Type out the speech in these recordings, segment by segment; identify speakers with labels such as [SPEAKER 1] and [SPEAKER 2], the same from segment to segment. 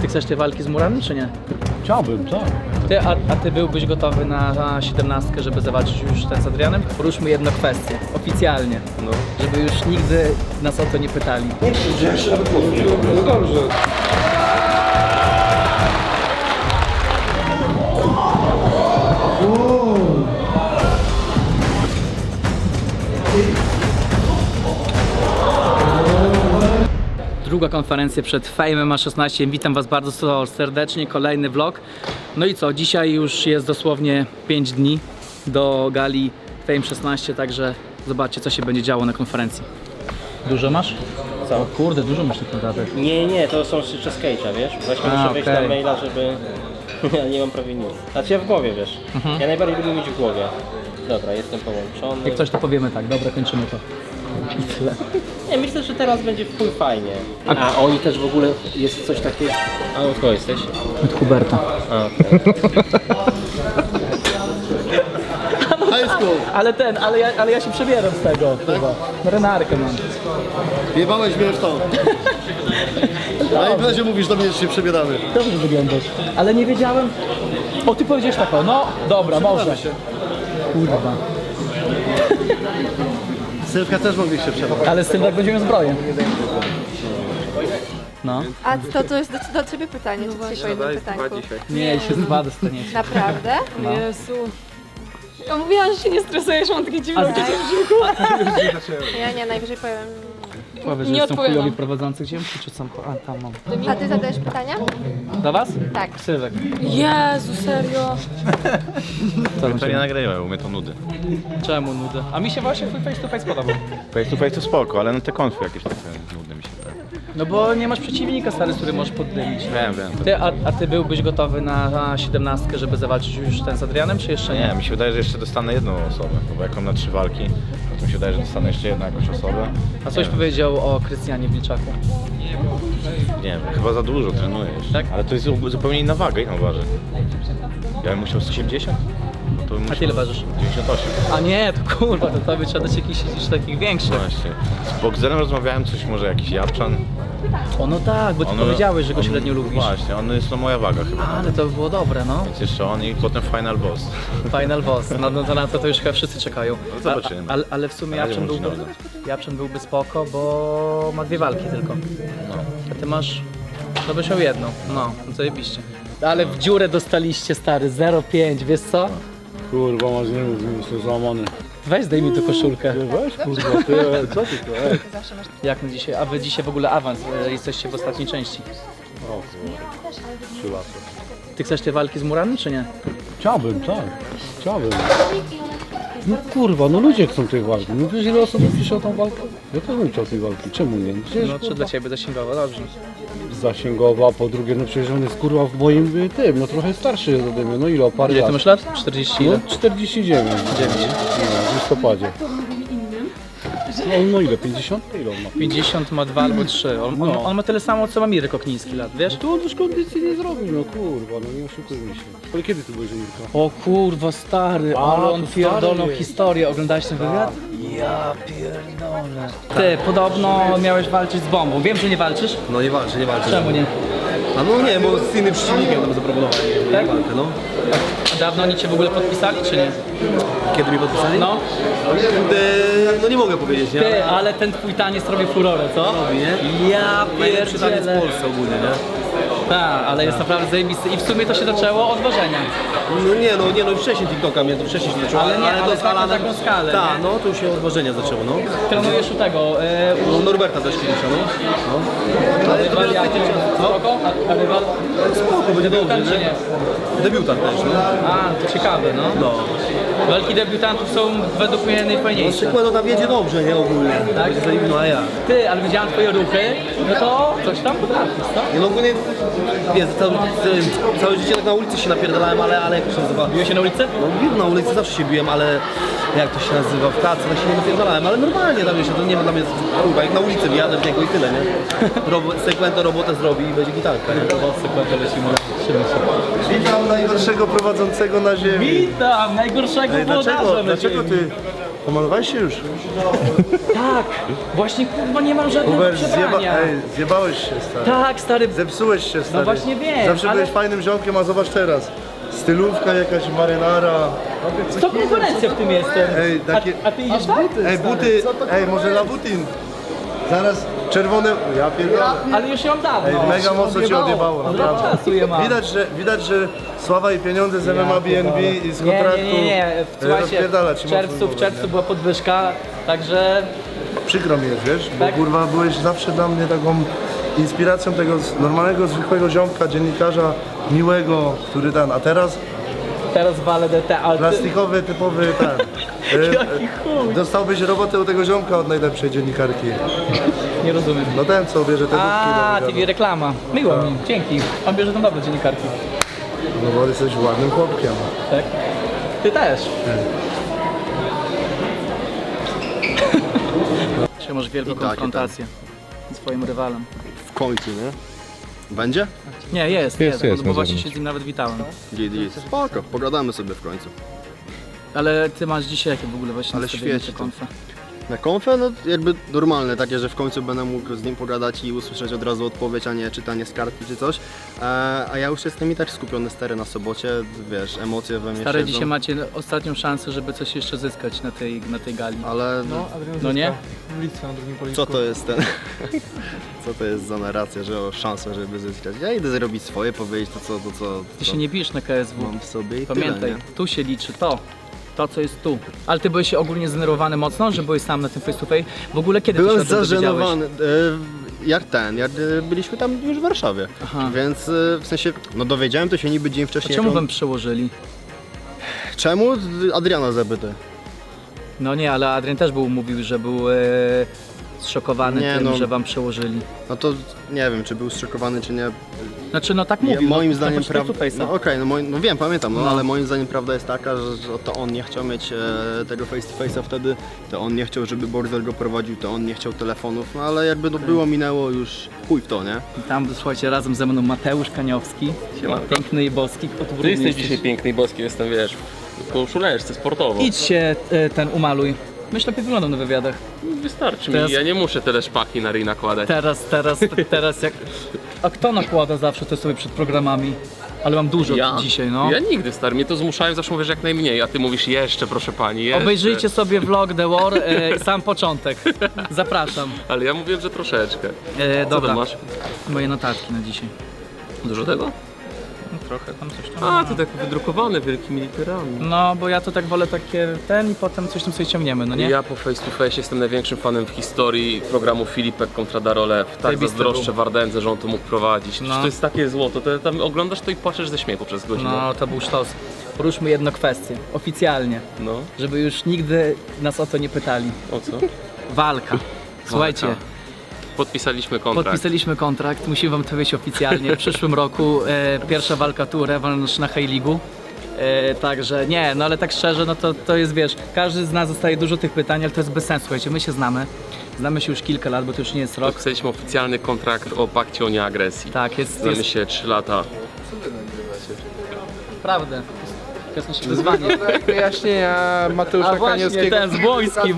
[SPEAKER 1] Ty chcesz tej walki z Murami, czy nie?
[SPEAKER 2] Chciałbym, tak.
[SPEAKER 1] A ty byłbyś gotowy na 17, żeby zawalczyć już ten z Adrianem? Poruszmy jedną kwestię, oficjalnie, żeby już nigdy nas o to nie pytali.
[SPEAKER 2] No dobrze.
[SPEAKER 1] Druga konferencja przed Fame MMA 16. Witam Was bardzo serdecznie, kolejny vlog. No i co, dzisiaj już jest dosłownie 5 dni do gali Fame 16, także zobaczcie, co się będzie działo na konferencji. Dużo masz?
[SPEAKER 3] Co?
[SPEAKER 1] O kurde, dużo masz tych notatek.
[SPEAKER 3] Nie, to są jeszcze z Cage'a, wiesz? Właśnie muszę wejść na maila, żeby... Ja nie mam prawie nic. Znaczy ja w głowie, wiesz? Ja najbardziej lubię mieć w głowie. Dobra, jestem połączony.
[SPEAKER 1] Jak coś to powiemy tak, dobra, kończymy to. I tyle.
[SPEAKER 3] Nie, myślę, że teraz będzie w chuj fajnie. A oni też w ogóle jest coś takiego... A od kogo jesteś?
[SPEAKER 1] Od Huberta.
[SPEAKER 3] A, okej.
[SPEAKER 1] Ale ja się przebieram z tego chyba. Marynarkę mam.
[SPEAKER 2] Jebałeś mnie w to. Na imprezie mówisz do mnie, że się przebieramy.
[SPEAKER 1] Dobrze wyglądasz. Ale nie wiedziałem. O, ty powiedziałeś tak, o, no dobra, może.
[SPEAKER 2] się.
[SPEAKER 1] Kurwa.
[SPEAKER 2] Sylwka też mogliście przebrać.
[SPEAKER 1] Ale z tym tak będziemy zbroję. No.
[SPEAKER 4] A to jest do ciebie pytanie, czy dzisiaj po jednym pytanku?
[SPEAKER 1] Nie, się z dwa dostaniecie.
[SPEAKER 4] Naprawdę?
[SPEAKER 1] No.
[SPEAKER 5] Jezu. Ja mówiłam, że się nie stresujesz, mam takie dziwne uczucie w brzuchu.
[SPEAKER 4] Ja najwyżej powiem.
[SPEAKER 1] Powiedz, że
[SPEAKER 5] Nie
[SPEAKER 1] są
[SPEAKER 5] odpowiadam.
[SPEAKER 1] chujowi prowadzący gdzie czy są? A, tam mam.
[SPEAKER 4] A ty zadajesz pytania?
[SPEAKER 1] Do was?
[SPEAKER 4] Tak.
[SPEAKER 1] Sylwek.
[SPEAKER 5] Jezu, serio.
[SPEAKER 1] Co
[SPEAKER 6] To nie nagrywaj, u mnie to nudy.
[SPEAKER 1] Czemu nudy? A mi się właśnie twój face to face podobał.
[SPEAKER 6] Face to face to spoko, ale no te konfy jakieś takie nudne mi się wydają.
[SPEAKER 1] No bo nie masz przeciwnika stary, z którym możesz poddymić.
[SPEAKER 6] Wiem.
[SPEAKER 1] Ty, a ty byłbyś gotowy na 17, żeby zawalczyć już ten z Adrianem, czy jeszcze nie?
[SPEAKER 6] Nie, mi się wydaje, że jeszcze dostanę jedną osobę, bo jak mam na 3 walki, to mi się wydaje, że dostanę jeszcze jedną jakąś osobę.
[SPEAKER 1] A coś powiedział o Krystianie Wilczaku?
[SPEAKER 6] Nie wiem, chyba za dużo trenuje jeszcze.
[SPEAKER 1] Tak?
[SPEAKER 6] Ale to jest zupełnie inna waga, ile on waży? Ja bym musiał 180? No to bym
[SPEAKER 1] A
[SPEAKER 6] musiał
[SPEAKER 1] ty ile ważysz?
[SPEAKER 6] 98.
[SPEAKER 1] A nie, to kurwa, to tobie trzeba dać jakichś już takich większych.
[SPEAKER 6] Właśnie. Z Bogzerem rozmawiałem, coś może jakiś Japczan.
[SPEAKER 1] O no tak, bo ty powiedziałeś, że go średnio lubisz.
[SPEAKER 6] Właśnie, on jest moja waga chyba.
[SPEAKER 1] Ale to by było dobre, no.
[SPEAKER 6] Więc jeszcze on i potem Final Boss.
[SPEAKER 1] Final boss, no to na to już chyba wszyscy czekają.
[SPEAKER 6] No zobaczymy.
[SPEAKER 1] Ale w sumie
[SPEAKER 6] Na razie
[SPEAKER 1] Japczan byłby spoko, bo ma 2 walki tylko.
[SPEAKER 6] No.
[SPEAKER 1] A ty masz, to byś miał jedną, no zajebiście. Ale w dziurę dostaliście stary, 0,5, wiesz co?
[SPEAKER 2] Kurwa, masz nie mów, jestem załamany.
[SPEAKER 1] Weź zdejmij tu koszulkę.
[SPEAKER 2] Weź kurwa, ty, co ty to?
[SPEAKER 1] Jak my dzisiaj, a wy dzisiaj w ogóle awans, jesteście w ostatniej części.
[SPEAKER 2] O kurwa, 3 lata.
[SPEAKER 1] Ty chcesz tej walki z Murami, czy nie?
[SPEAKER 2] Chciałbym, tak. Chciałbym. No kurwa, no ludzie chcą tej walki. No wiesz ile osób pisze o tą walkę? Ja też bym chciał tej walki, czemu nie? Przecież,
[SPEAKER 1] No czy
[SPEAKER 2] kurwa,
[SPEAKER 1] dla ciebie zasięgowo, dobrze.
[SPEAKER 2] zasięgowa, po drugie, no przecież on jest kurwa w moim tym, no trochę starszy ode mnie, no ile, o parę
[SPEAKER 1] Ile
[SPEAKER 2] lat.
[SPEAKER 1] ty masz lat? 40 ile?
[SPEAKER 2] No 49.
[SPEAKER 1] 9.
[SPEAKER 2] No, w listopadzie. No ile, 50? Ile on ma?
[SPEAKER 1] 50 ma 2 albo 3. On ma tyle samo co ma Mirek Okniński lat, wiesz?
[SPEAKER 2] To on już kondycji nie zrobił, no kurwa, no nie oszukujmy się. Ale kiedy ty byłeś u Mirka?
[SPEAKER 1] O kurwa stary,
[SPEAKER 2] A,
[SPEAKER 1] ale on
[SPEAKER 2] to
[SPEAKER 1] pierdolną
[SPEAKER 2] stary jest.
[SPEAKER 1] historię. Oglądałeś ten wywiad? Ja pierdolę. Ty, podobno miałeś walczyć z bombą. Wiem, że nie walczysz.
[SPEAKER 7] No nie walczę.
[SPEAKER 1] Czemu nie?
[SPEAKER 7] A no nie, bo z innym przeciwnikiem tam zaproponowali
[SPEAKER 1] Tak?
[SPEAKER 7] walkę, no.
[SPEAKER 1] A dawno oni cię w ogóle podpisali, czy nie?
[SPEAKER 7] Kiedy mi podpisali?
[SPEAKER 1] No.
[SPEAKER 7] No nie mogę powiedzieć, nie?
[SPEAKER 1] Ty, ale ten twój taniec robi furorę, co?
[SPEAKER 7] Robi, nie?
[SPEAKER 1] Ja
[SPEAKER 7] Najlepszy taniec w
[SPEAKER 1] pierdzielę.
[SPEAKER 7] Polsce ogólnie, nie?
[SPEAKER 1] Tak, ale jest naprawdę zajebisty. I w sumie to się zaczęło od ważenia.
[SPEAKER 7] No nie, wcześniej TikToka mnie to wcześniej się zaczęło.
[SPEAKER 1] Ale nie, ale
[SPEAKER 7] to
[SPEAKER 1] na taką skalę,
[SPEAKER 7] Tak,
[SPEAKER 1] nie?
[SPEAKER 7] no to już się od ważenia zaczęło, no.
[SPEAKER 1] Trenujesz u tego,
[SPEAKER 7] No Norberta też kiedyś, no. Ale to
[SPEAKER 1] rywal
[SPEAKER 7] miał
[SPEAKER 1] jaki?
[SPEAKER 7] co?
[SPEAKER 1] Spoko? A rywal?
[SPEAKER 7] Spoko, będzie dobrze,
[SPEAKER 1] Debiutant czy nie?
[SPEAKER 7] Debiutant też, no.
[SPEAKER 1] A, to ciekawe, no.
[SPEAKER 7] No.
[SPEAKER 1] Walki debiutantów są według mnie
[SPEAKER 7] No
[SPEAKER 1] najfajniejsze.
[SPEAKER 7] Sekwedo tam wiedzie dobrze, nie? Ogólnie.
[SPEAKER 1] Tak?
[SPEAKER 7] Będzie zajebiście, no a ja.
[SPEAKER 1] Ty, ale widziałem twoje ruchy, no to coś tam potrafisz, co?
[SPEAKER 7] Nie no ogólnie, wiesz, całe życie tak na ulicy się napierdalałem, ale jak to się nazywa?
[SPEAKER 1] Biłeś się na ulicy?
[SPEAKER 7] No na ulicy zawsze się biłem, ale jak to się nazywa, w pracy tak się nie napierdalałem, ale normalnie tam jeszcze, to nie ma dla mnie, kurwa, jak na ulicy wyjadę w niego i tyle, nie? Sekwento robotę zrobi i będzie gitarka, nie?
[SPEAKER 1] Sekundę lecimy, trzymaj się.
[SPEAKER 2] Witam najgorszego prowadzącego na ziemi.
[SPEAKER 1] Witam, najgorszego włodarza.
[SPEAKER 2] Dlaczego ty
[SPEAKER 8] Pomalowałeś się już?
[SPEAKER 1] Tak, właśnie kurwa nie mam żadnego
[SPEAKER 8] Hubert,
[SPEAKER 1] przebrania.
[SPEAKER 8] zjebałeś się, stary.
[SPEAKER 1] Tak, stary,
[SPEAKER 8] Zepsułeś się, stary.
[SPEAKER 1] właśnie wiem,
[SPEAKER 8] Zawsze
[SPEAKER 1] ale-
[SPEAKER 8] byłeś fajnym ziomkiem, a zobacz teraz. Stylówka jakaś, marynara.
[SPEAKER 1] to konkurencja w tym jestem.
[SPEAKER 8] Ej, takie...
[SPEAKER 1] A ty idziesz tak?
[SPEAKER 8] Ej, buty, ej, może Labutin. Zaraz czerwone... Ja pierdolę.
[SPEAKER 1] Ale już ją dawno.
[SPEAKER 8] Ej, mega mocno cię odjebało,
[SPEAKER 1] Od
[SPEAKER 8] naprawdę.
[SPEAKER 1] czasu je mam.
[SPEAKER 8] Widać, że sława i pieniądze z MMA BNB i z kontraktu
[SPEAKER 1] Nie. Słuchajcie,
[SPEAKER 8] rozpierdala ci
[SPEAKER 1] w
[SPEAKER 8] mocno
[SPEAKER 1] czerwcu
[SPEAKER 8] głowę, nie?
[SPEAKER 1] była podwyżka, także
[SPEAKER 8] Przykro mi jest, wiesz, bo
[SPEAKER 1] Tak?
[SPEAKER 8] kurwa byłeś zawsze dla mnie taką inspiracją tego normalnego, zwykłego ziomka, dziennikarza, miłego, który ten, a teraz
[SPEAKER 1] teraz walę DT, ale ty...
[SPEAKER 8] plastikowy, typowy ten.
[SPEAKER 1] Jaki chuj.
[SPEAKER 8] Dostałbyś robotę u tego ziomka od najlepszej dziennikarki.
[SPEAKER 1] Nie rozumiem.
[SPEAKER 8] No ten, co bierze te
[SPEAKER 1] A,
[SPEAKER 8] dupki.
[SPEAKER 1] TV reklama. Miło mi, dzięki. Pan bierze tam dobre dziennikarki.
[SPEAKER 8] No bo jesteś ładnym chłopkiem.
[SPEAKER 1] Tak? Ty też. Czy masz wielką konfrontację z swoim rywalem?
[SPEAKER 9] W końcu, nie? Będzie?
[SPEAKER 1] Nie, jest,
[SPEAKER 2] jest
[SPEAKER 1] bo
[SPEAKER 2] na
[SPEAKER 1] właśnie
[SPEAKER 2] zewnątrz.
[SPEAKER 1] się z nim nawet witałem.
[SPEAKER 9] Git. Spoko, pogadamy sobie w końcu.
[SPEAKER 1] Ale ty masz dzisiaj jakie w ogóle właśnie
[SPEAKER 9] Ale
[SPEAKER 1] nastawienie
[SPEAKER 9] świeci
[SPEAKER 1] na
[SPEAKER 9] to.
[SPEAKER 1] konfę?
[SPEAKER 9] Na konfę, no jakby normalne, takie, że w końcu będę mógł z nim pogadać i usłyszeć od razu odpowiedź, a nie czytanie z kartki czy coś. A ja już jestem i tak skupiony stary na sobocie, wiesz, emocje we mnie
[SPEAKER 1] Stary,
[SPEAKER 9] siedzą.
[SPEAKER 1] dzisiaj macie ostatnią szansę, żeby coś jeszcze zyskać na tej gali.
[SPEAKER 9] Ale
[SPEAKER 1] No nie?
[SPEAKER 9] co to jest ten... co to jest za narracja, że o szansę, żeby zyskać? Ja idę zrobić swoje, powiedzieć to co
[SPEAKER 1] Ty się nie bijesz na KSW.
[SPEAKER 9] mam w sobie i
[SPEAKER 1] Pamiętaj,
[SPEAKER 9] tyle, nie?
[SPEAKER 1] tu się liczy to co jest tu. Ale ty byłeś ogólnie zdenerwowany mocno, że byłeś sam na tym face to face. W ogóle kiedy ty się
[SPEAKER 9] Byłem
[SPEAKER 1] o tym dowiedziałeś?
[SPEAKER 9] zażenowany. Jak byliśmy tam już w Warszawie.
[SPEAKER 1] Aha.
[SPEAKER 9] Więc w sensie, no dowiedziałem to się niby dzień
[SPEAKER 1] A
[SPEAKER 9] wcześniej.
[SPEAKER 1] czemu
[SPEAKER 9] jak on-
[SPEAKER 1] wam przełożyli?
[SPEAKER 9] Czemu? Adriana zapytaj.
[SPEAKER 1] No nie, ale Adrian też mówił, że był zszokowany
[SPEAKER 9] Nie,
[SPEAKER 1] tym,
[SPEAKER 9] no.
[SPEAKER 1] że wam przełożyli.
[SPEAKER 9] No to nie wiem, czy był zszokowany, czy nie.
[SPEAKER 1] Znaczy no tak mówił.
[SPEAKER 9] moim
[SPEAKER 1] no,
[SPEAKER 9] zdaniem
[SPEAKER 1] na face to face'a.
[SPEAKER 9] No okej, no wiem, pamiętam,
[SPEAKER 1] No.
[SPEAKER 9] ale moim zdaniem prawda jest taka, że to on nie chciał mieć tego face to face'a wtedy, to on nie chciał, żeby Bordel go prowadził, to on nie chciał telefonów, no ale jakby no było, minęło już chuj w to, nie?
[SPEAKER 1] I tam, słuchajcie, razem ze mną Mateusz Kaniowski, piękny i boski.
[SPEAKER 10] Ty jesteś dzisiaj piękny i boski, jestem, wiesz, w koszuleczce sportowo.
[SPEAKER 1] Idź się ten umaluj. Myślę, lepiej wyglądam na wywiadach.
[SPEAKER 10] Wystarczy
[SPEAKER 1] Teraz-
[SPEAKER 10] mi, ja nie muszę tyle szpaki na ryj nakładać.
[SPEAKER 1] Teraz jak... A kto nakłada zawsze to sobie przed programami? Ale mam dużo dzisiaj, no.
[SPEAKER 10] Ja nigdy, stary, mnie to zmuszają, zawsze mówisz jak najmniej, a ty mówisz jeszcze, proszę pani, jeszcze.
[SPEAKER 1] Obejrzyjcie sobie vlog The War, sam początek. Zapraszam.
[SPEAKER 10] Ale ja mówiłem, że troszeczkę. Co
[SPEAKER 1] Dobra,
[SPEAKER 10] tam masz?
[SPEAKER 1] moje notatki na dzisiaj.
[SPEAKER 10] Dużo tego?
[SPEAKER 1] No, trochę tam coś tam.
[SPEAKER 10] A, to tak wydrukowane wielkimi literami.
[SPEAKER 1] No, bo ja to tak wolę takie i potem coś tam sobie ciągniemy, no nie?
[SPEAKER 10] Ja po face to face jestem największym fanem w historii programu Filipek kontra Darolew. Tak
[SPEAKER 1] Zajebisty
[SPEAKER 10] zazdroszczę
[SPEAKER 1] był.
[SPEAKER 10] Wardędze, że on to mógł prowadzić.
[SPEAKER 1] No.
[SPEAKER 10] To jest takie złoto, tam oglądasz to i płaczesz ze śmiechu przez godzinę.
[SPEAKER 1] No, to był sztos. Poruszmy jedną kwestię, oficjalnie,
[SPEAKER 10] No,
[SPEAKER 1] żeby już nigdy nas o to nie pytali.
[SPEAKER 10] o co?
[SPEAKER 1] Walka. Słuchajcie,
[SPEAKER 10] Podpisaliśmy kontrakt.
[SPEAKER 1] podpisaliśmy kontrakt, musimy wam to powiedzieć oficjalnie. W przyszłym roku pierwsza walka tu, rewanż na High League'u. Także nie, no ale tak szczerze, no to jest, wiesz, każdy z nas dostaje dużo tych pytań, ale to jest bez sensu, słuchajcie, my się znamy. Znamy się już kilka lat, bo to już nie jest rok.
[SPEAKER 10] Podpisaliśmy oficjalny kontrakt o pakcie o nieagresji.
[SPEAKER 1] Tak, jest
[SPEAKER 10] Znamy się 3 lata.
[SPEAKER 1] naprawdę. To jest nasze wyzwanie.
[SPEAKER 11] Wyjaśnienia Mateusza
[SPEAKER 1] A właśnie,
[SPEAKER 11] Kaniowskiego.
[SPEAKER 1] ten z Błońskim.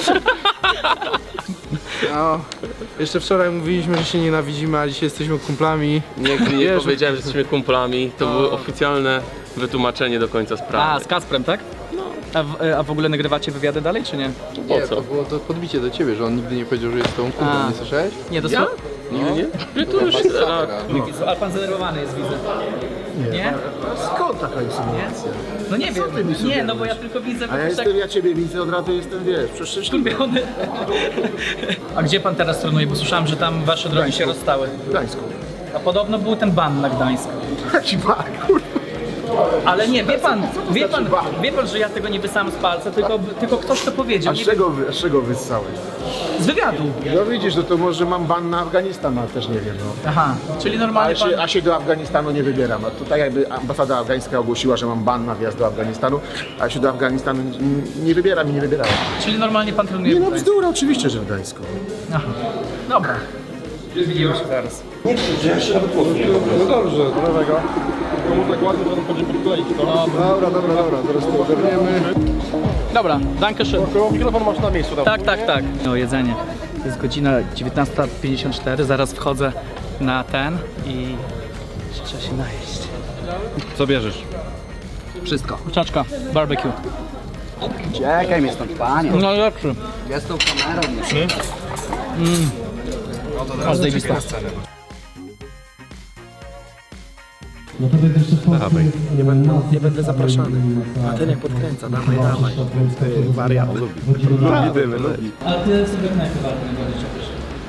[SPEAKER 11] No, jeszcze wczoraj mówiliśmy, że się nienawidzimy, a dzisiaj jesteśmy kumplami.
[SPEAKER 10] Nie
[SPEAKER 11] Wiesz,
[SPEAKER 10] powiedziałem, że jesteśmy kumplami. To było oficjalne wytłumaczenie do końca
[SPEAKER 1] A,
[SPEAKER 10] sprawy.
[SPEAKER 1] z Kasprem, tak? No. A w ogóle nagrywacie wywiady dalej, czy nie?
[SPEAKER 10] Po
[SPEAKER 11] Nie,
[SPEAKER 10] co?
[SPEAKER 11] to było to podbicie do ciebie, że on nigdy nie powiedział, że jest tą
[SPEAKER 1] A.
[SPEAKER 11] kumplą, nie słyszałeś?
[SPEAKER 1] Nie, to
[SPEAKER 10] Ja? Nigdy nie? Ty to już
[SPEAKER 1] Ale pan zdenerwowany jest, widzę. Nie?
[SPEAKER 8] Skąd taka insynuacja?
[SPEAKER 1] No nie wiem.
[SPEAKER 8] ty mi
[SPEAKER 1] Nie, no
[SPEAKER 8] sugerujesz?
[SPEAKER 1] bo ja tylko widzę,
[SPEAKER 8] A ja
[SPEAKER 1] tak
[SPEAKER 8] jestem, ja ciebie widzę, od razu jestem, wiesz, przeszczęśliwy.
[SPEAKER 1] skupiony. A gdzie pan teraz trenuje? Bo słyszałem, że tam wasze drogi się rozstały.
[SPEAKER 8] W Gdańsku.
[SPEAKER 1] A podobno był ten ban na Gdańsk.
[SPEAKER 8] Jaki bar, kurwa.
[SPEAKER 1] Ale nie, wie pan, że ja tego nie wysłałem z palca, tylko ktoś to powiedział.
[SPEAKER 8] A z
[SPEAKER 1] Nie,
[SPEAKER 8] czego wyssałeś?
[SPEAKER 1] z wywiadu.
[SPEAKER 8] No widzisz, no to może mam ban na Afganistan, ale też nie wiem, no.
[SPEAKER 1] Aha, czyli normalnie pan...
[SPEAKER 8] A się do Afganistanu nie wybieram. No to tak jakby ambasada afgańska ogłosiła, że mam ban na wjazd do Afganistanu, a się do Afganistanu nie wybieram i nie wybierałem.
[SPEAKER 1] Czyli normalnie pan trenuje
[SPEAKER 8] Nie
[SPEAKER 1] w
[SPEAKER 8] no,
[SPEAKER 1] Gdańsku.
[SPEAKER 8] bzdura, oczywiście, że w Gdańsku.
[SPEAKER 1] Aha, dobra. Widzimy się zaraz.
[SPEAKER 8] No dobrze, nowego. Dobra, zaraz to ogarniemy.
[SPEAKER 1] Dobra, danke schön.
[SPEAKER 8] Mikrofon masz na miejscu.
[SPEAKER 1] Tak. O jedzenie. Jest godzina 19:54, zaraz wchodzę na ten i trzeba się najeść.
[SPEAKER 2] Co bierzesz?
[SPEAKER 1] Wszystko. Kurczaczka, barbecue.
[SPEAKER 7] Czekaj mnie stąd, panie.
[SPEAKER 1] No lepszy.
[SPEAKER 7] Ja z tą kamerą.
[SPEAKER 1] Aż zajebista.
[SPEAKER 7] Nie będę zapraszany. A ten jak podkręca, dawaj. Wariat. Lubimy.
[SPEAKER 1] A ty sobie najpierw najbardziej czepisz?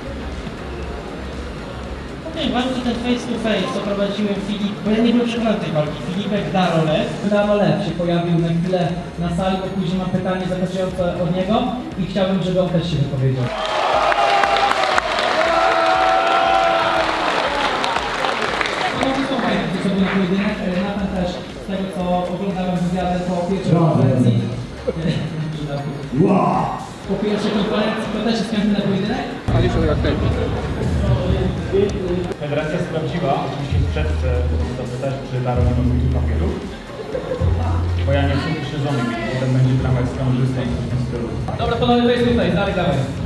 [SPEAKER 12] Tej walki ten face to face, co prowadziłem Filip, bo ja nie byłem przekonany tej walki. Filipek Darolew.
[SPEAKER 1] Darolew się pojawił na chwilę na sali, bo później mam pytanie zapraszające od niego i chciałbym, żeby on też się wypowiedział. To był pojedynek, Nathan też z tego co oglądałem wywiady po pierwszej konferencji. Po pierwszej konferencji to też jest chętny na pojedynek?
[SPEAKER 13] Federacja sprawdziła, oczywiście przed zapytać, czy Daron ma tu papierów. Bo ja nie jestem przyszedzony, potem będzie drama z kamerzystą w tym stylu.
[SPEAKER 1] Dobra, panowie, to jest tutaj, dalej.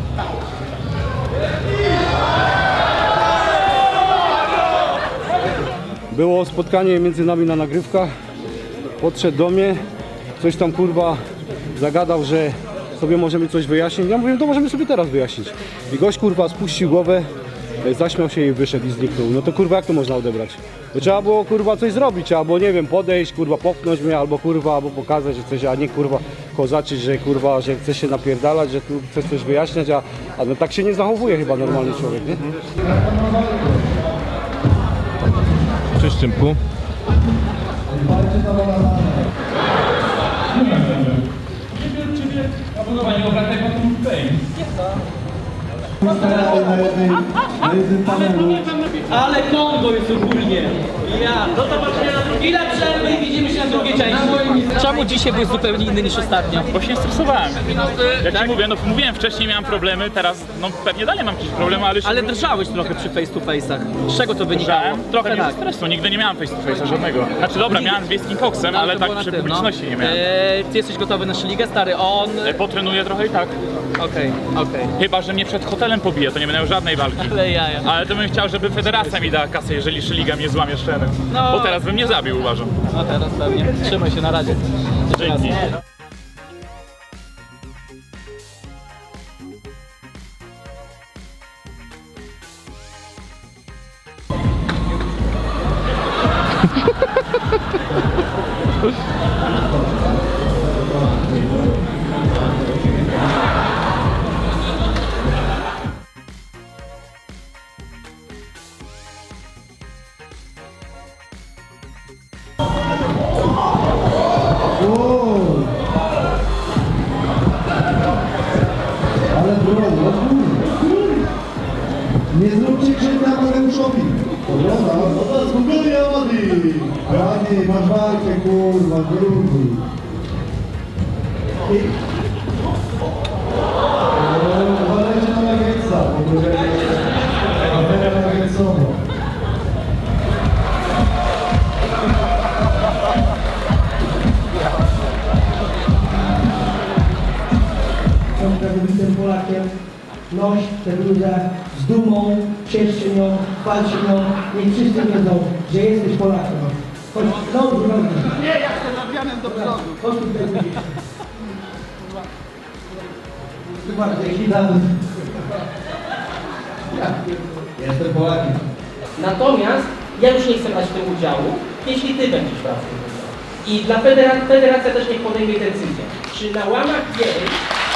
[SPEAKER 2] Było spotkanie między nami na nagrywkach. Podszedł do mnie, coś tam kurwa zagadał, że sobie możemy coś wyjaśnić. Ja mówię, to możemy sobie teraz wyjaśnić. I gość kurwa spuścił głowę, zaśmiał się i wyszedł i zniknął. No to kurwa jak to można odebrać? To trzeba było kurwa coś zrobić, albo nie wiem, podejść, kurwa popchnąć mnie, albo kurwa, albo pokazać, że coś, a nie kurwa kozaczyć, że kurwa, że chce się napierdalać, że tu chcesz coś wyjaśniać, a no tak się nie zachowuje chyba normalny człowiek, nie?
[SPEAKER 6] Cześć Czymku.
[SPEAKER 1] Ale Kongo jest ogólnie. Ja. Do zobaczenia na drugiej. Ile przerwy i widzimy się na drugiej części. Czemu dzisiaj byłeś zupełnie inny niż ostatnio?
[SPEAKER 13] Bo się stresowałem. Jak ci mówię, no mówiłem wcześniej, miałem problemy, teraz no pewnie dalej mam jakieś problemy, ale...
[SPEAKER 1] Ale drżałeś trochę przy face to face'ach. Z czego to wynikało?
[SPEAKER 13] Trochę nie
[SPEAKER 1] tak.
[SPEAKER 13] ze stresu, nigdy nie miałem face to face'a żadnego. Znaczy dobra, miałem z Wiejskim Koksem, ale
[SPEAKER 1] to
[SPEAKER 13] tak
[SPEAKER 1] było na
[SPEAKER 13] przy
[SPEAKER 1] tym,
[SPEAKER 13] publiczności nie miałem.
[SPEAKER 1] Ty jesteś gotowy na Szyligę, stary? On...
[SPEAKER 13] Potrenuję trochę i tak.
[SPEAKER 1] Okej.
[SPEAKER 13] Chyba, że mnie przed hotelem pobije, to nie będę miał żadnej walki.
[SPEAKER 1] Ale jaja.
[SPEAKER 13] Ale to bym chciał, żeby federacja mi dała kasę, jeżeli Szyliga mnie złamie szczerem.
[SPEAKER 1] No.
[SPEAKER 13] Bo teraz bym mnie zabił, uważam.
[SPEAKER 1] No teraz pewnie. Trzymaj się, na razie.
[SPEAKER 13] Dzięki.
[SPEAKER 14] Ale bro, nie zróbcie krzywdy Amadeuszowi. Dobra, no spokojnie Amadi. Amadi, masz walkę, kurwa, grubi. Uważajcie na Nuggetsa, bo to jest afera Nuggetsowa.
[SPEAKER 15] Jestem wybitym Polakiem, noś tę bluzę z dumą, ciesz się nią, chwal się nią, niech wszyscy wiedzą, że jesteś Polakiem. Chodź, znowu drogi. Nie, ja chcę nawianem do przodu. Chodź tutaj widzisz. Zobaczcie, jaki dany. Jestem Polakiem.
[SPEAKER 12] Natomiast ja już nie chcę brać w tym udziału, jeśli ty będziesz brał w tym udział. I dla federacja też niech podejmie decyzję. Czy na łamach jej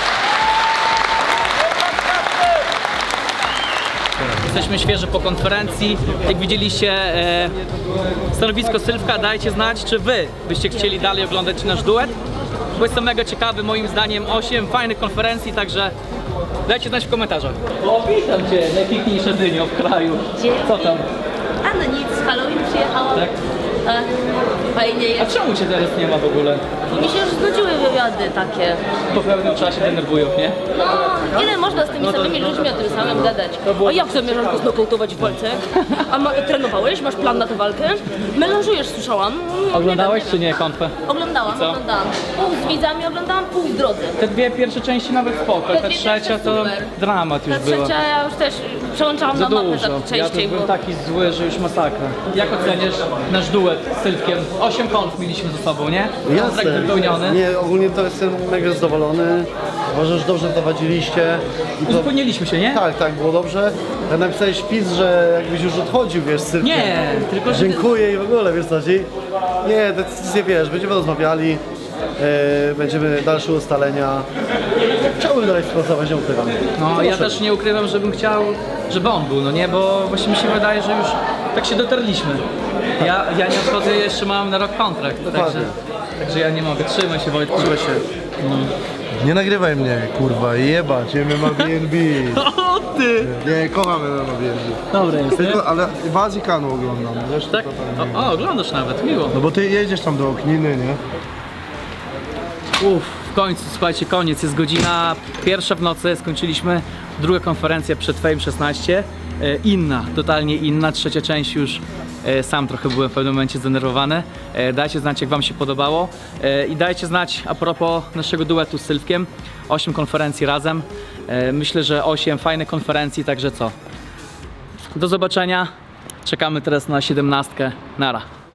[SPEAKER 1] Jesteśmy świeży po konferencji. Jak widzieliście stanowisko Sylwka, dajcie znać, czy wy byście chcieli dalej oglądać nasz duet. Bo jestem mega ciekawy, moim zdaniem 8 fajnych konferencji, także dajcie znać w komentarzach. O, witam cię, najpiękniejsze dynio w kraju. Co tam?
[SPEAKER 16] A no nic, z Halloween przyjechałam.
[SPEAKER 1] Tak?
[SPEAKER 16] fajnie
[SPEAKER 1] A
[SPEAKER 16] jest.
[SPEAKER 1] czemu cię teraz nie ma w ogóle?
[SPEAKER 16] Mi się już znudziły wywiady takie.
[SPEAKER 1] Po pewnym czasie denerwują, nie?
[SPEAKER 16] No, ile można z tymi samymi ludźmi o tym samym gadać? A jak zamierzasz go znokautować w walce? A trenowałeś? Masz plan na tę walkę? Melanżujesz, słyszałam.
[SPEAKER 1] Oglądałeś czy nie konfę?
[SPEAKER 16] Oglądałam.
[SPEAKER 1] Co?
[SPEAKER 16] Pół z widzami oglądałam, pół w drodze.
[SPEAKER 1] Te dwie pierwsze części nawet spoko,
[SPEAKER 16] Te
[SPEAKER 1] ta
[SPEAKER 16] dwie
[SPEAKER 1] trzecia
[SPEAKER 16] pierwsze
[SPEAKER 1] to
[SPEAKER 16] super.
[SPEAKER 1] dramat już
[SPEAKER 16] Ta
[SPEAKER 1] była.
[SPEAKER 16] trzecia ja już też przełączałam
[SPEAKER 1] Za
[SPEAKER 16] na mapę
[SPEAKER 1] dużo.
[SPEAKER 16] tak
[SPEAKER 1] Ja
[SPEAKER 16] częściej,
[SPEAKER 1] też byłem
[SPEAKER 16] bo...
[SPEAKER 1] taki zły, że już masakra. Jak oceniasz nasz duet z Sylwkiem? 8 konf mieliśmy ze sobą, nie? Kontrakt wypełniony.
[SPEAKER 7] Nie, ogólnie to jestem mega zadowolony. Uważam, że dobrze prowadziliście.
[SPEAKER 1] Uzupełniliśmy się, nie?
[SPEAKER 7] Tak, tak, było dobrze. Ja napisałeś wpis, że jakbyś już odchodził, wiesz, z Sylwkiem.
[SPEAKER 1] Nie, tylko że...
[SPEAKER 7] Dziękuję i w ogóle, wiesz co chodzi? Nie, decyzję wiesz, będziemy rozmawiali, będziemy dalsze ustalenia. Chciałbym dalej współpracować, nie ukrywam.
[SPEAKER 1] No ja też nie ukrywam, żebym chciał, żeby on był, no nie? Bo właśnie mi się wydaje, że już tak się dotarliśmy. Ja nie odchodzę, jeszcze mam na rok kontrakt, także ja nie mogę. Trzymaj się, Wojtku.
[SPEAKER 7] Trzymaj się.
[SPEAKER 1] No.
[SPEAKER 11] Nie nagrywaj mnie, kurwa, jebać, MMA BNB.
[SPEAKER 1] O ty!
[SPEAKER 11] Nie, kocham MMA BNB.
[SPEAKER 1] Dobre jest,
[SPEAKER 11] Tylko, ale w Azji Kanu oglądam, wiesz?
[SPEAKER 1] Tak? O, oglądasz nawet, miło.
[SPEAKER 11] No bo ty jedziesz tam do Okniny, nie?
[SPEAKER 1] W końcu, słuchajcie, koniec, jest godzina 1 w nocy, skończyliśmy drugą konferencję przed Fame 16. Inna, totalnie inna, trzecia część już sam trochę byłem w pewnym momencie zdenerwowany. Dajcie znać, jak wam się podobało i dajcie znać a propos naszego duetu z Sylwkiem. 8 konferencji razem, myślę, że 8 fajnych konferencji, także co? Do zobaczenia, czekamy teraz na 17. Nara.